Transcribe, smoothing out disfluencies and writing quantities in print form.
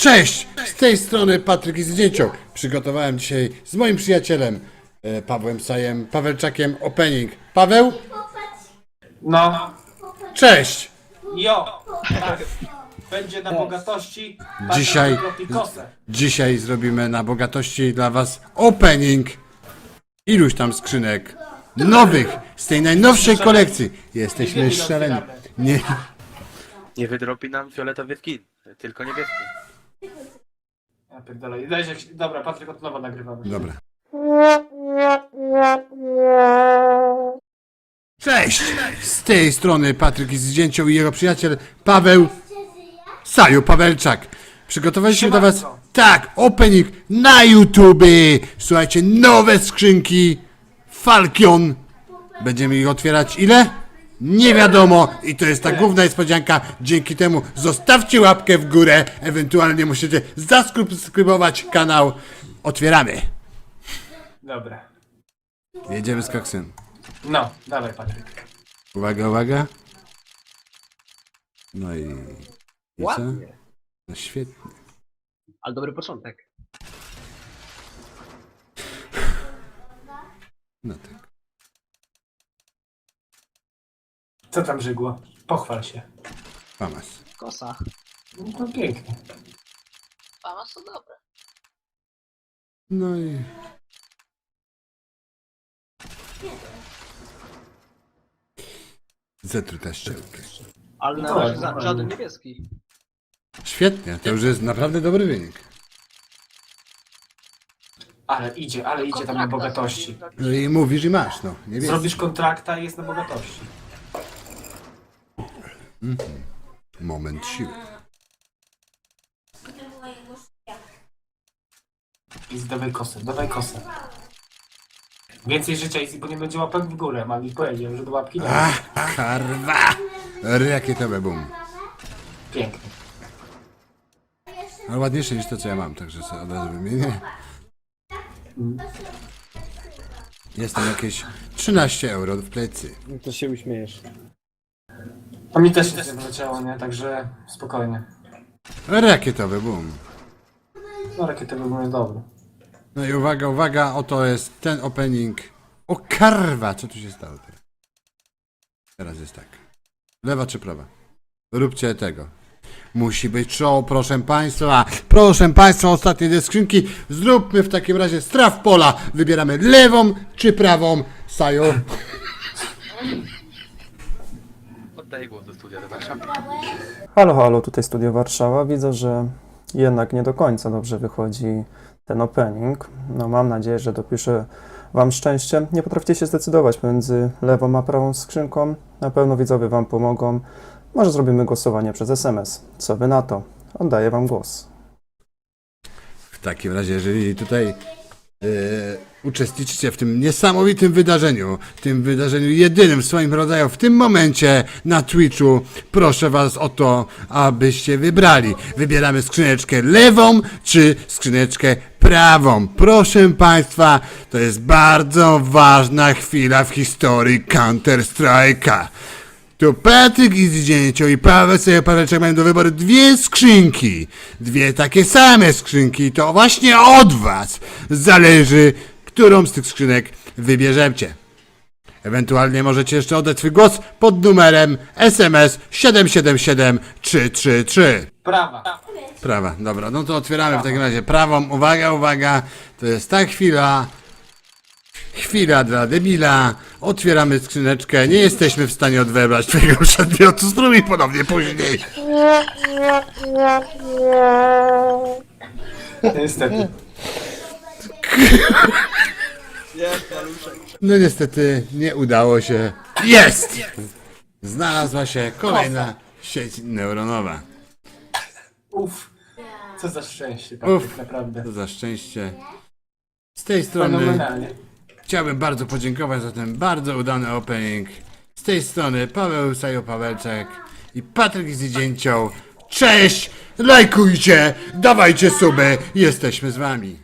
Cześć! Z tej strony Patryk i Zdjęciok. Przygotowałem dzisiaj z moim przyjacielem Pawłem Sajem, Pawełczakiem opening. Paweł? No, Cześć! jo, tak. Będzie na bogatości. Dzisiaj- Pikosę. Dzisiaj zrobimy na bogatości dla was opening iluś tam skrzynek nowych z tej najnowszej kolekcji. Jesteśmy szaleni. Nie, Nie wydrobi nam fioletowy skin, tylko niebieski. Ja pierdolę. Dobra, Patryk, od nowa nagrywamy. dobra. Cześć! Z tej strony Patryk i Zdjęciok i jego przyjaciel Paweł Saju Pawełczak. Przygotowaliśmy dla was, tak, opening na YouTube. Słuchajcie, nowe skrzynki Falcon. Będziemy ich otwierać ile? Nie wiadomo i to jest ta główna niespodzianka. Dzięki temu zostawcie łapkę w górę, ewentualnie musicie zasubskrybować kanał. Otwieramy. Dobra. Jedziemy z koksem. No, dawaj, Patryk. Uwaga, uwaga. No i co? Ładnie, No świetnie. ale dobry początek. No tak. Co tam żygło? Pochwal się. Famas. Kosa. No to pięknie. Mama są dobre. No i... Zetruta szczelkę. Ale na To razie ładnie. żaden niebieski. Świetnie, to już jest naprawdę dobry wynik. Ale idzie tam na bogatości. No i mówisz i masz, no. Nie wiem. Zrobisz kontrakta i jest na bogatości. Moment siły. I dawaj kosę, dawaj kosę. Więcej życia, Easy, bo nie będzie łapek w górę. Mam ich powiedział, że do łapki nie ma. Karwa! Rakietowe bum. Pięknie. Ale ładniejsze niż to, co ja mam, także sobie od razu wymienię. Jest tam jakieś 13 euro w plecy. To się uśmiejesz. A mi też nic nie wyleciało, nie? Także spokojnie. Rakietowe bum. No, rakietowy był dobry. No i uwaga, uwaga, oto jest ten opening. O karwa, co tu się stało teraz? Teraz jest tak. Lewa czy prawa? Róbcie tego. Musi być show, proszę państwa. Proszę państwa, ostatnie dwie skrzynki. Zróbmy w takim razie straf pola. Wybieramy lewą czy prawą. Sajo. Oddaję głos do studia do Warszawy. Halo, halo, tutaj Studio Warszawa. Widzę, że jednak nie do końca dobrze wychodzi ten opening. No mam nadzieję, że dopiszę Wam szczęście. Nie potraficie się zdecydować pomiędzy lewą a prawą skrzynką. Na pewno widzowie Wam pomogą. Może zrobimy głosowanie przez SMS. Co Wy na to? Oddaję Wam głos. W takim razie, jeżeli tutaj uczestniczycie w tym niesamowitym wydarzeniu, tym wydarzeniu jedynym w swoim rodzaju w tym momencie na Twitchu, proszę was o to, abyście wybrali. Wybieramy skrzyneczkę lewą czy skrzyneczkę prawą. Proszę państwa, to jest bardzo ważna chwila w historii Counter-Strike'a. Tu Patryk i Zdjęciok i Paweł Pawełczak mają do wyboru dwie skrzynki. Dwie takie same skrzynki. To właśnie od was zależy, którą z tych skrzynek wybierzecie. Ewentualnie możecie jeszcze oddać swój głos pod numerem SMS 777333. Prawa. Prawa, dobra, no to otwieramy w takim razie prawą. Uwaga, uwaga, to jest ta chwila. Chwila dla debila. Otwieramy skrzyneczkę. Nie jesteśmy w stanie odebrać twojego przedmiotu. Spróbuj ponownie później. Niestety. No niestety nie udało się. Jest! Znalazła się kolejna sieć neuronowa. Uff. Co za szczęście, Patryk, Uff. naprawdę. To za szczęście. Z tej strony Fenomenalnie. chciałbym bardzo podziękować za ten bardzo udany opening. Z tej strony Paweł Sajo Pawełczak i Patryk Zdjęciok. Cześć! Lajkujcie! Dawajcie suby! Jesteśmy z wami.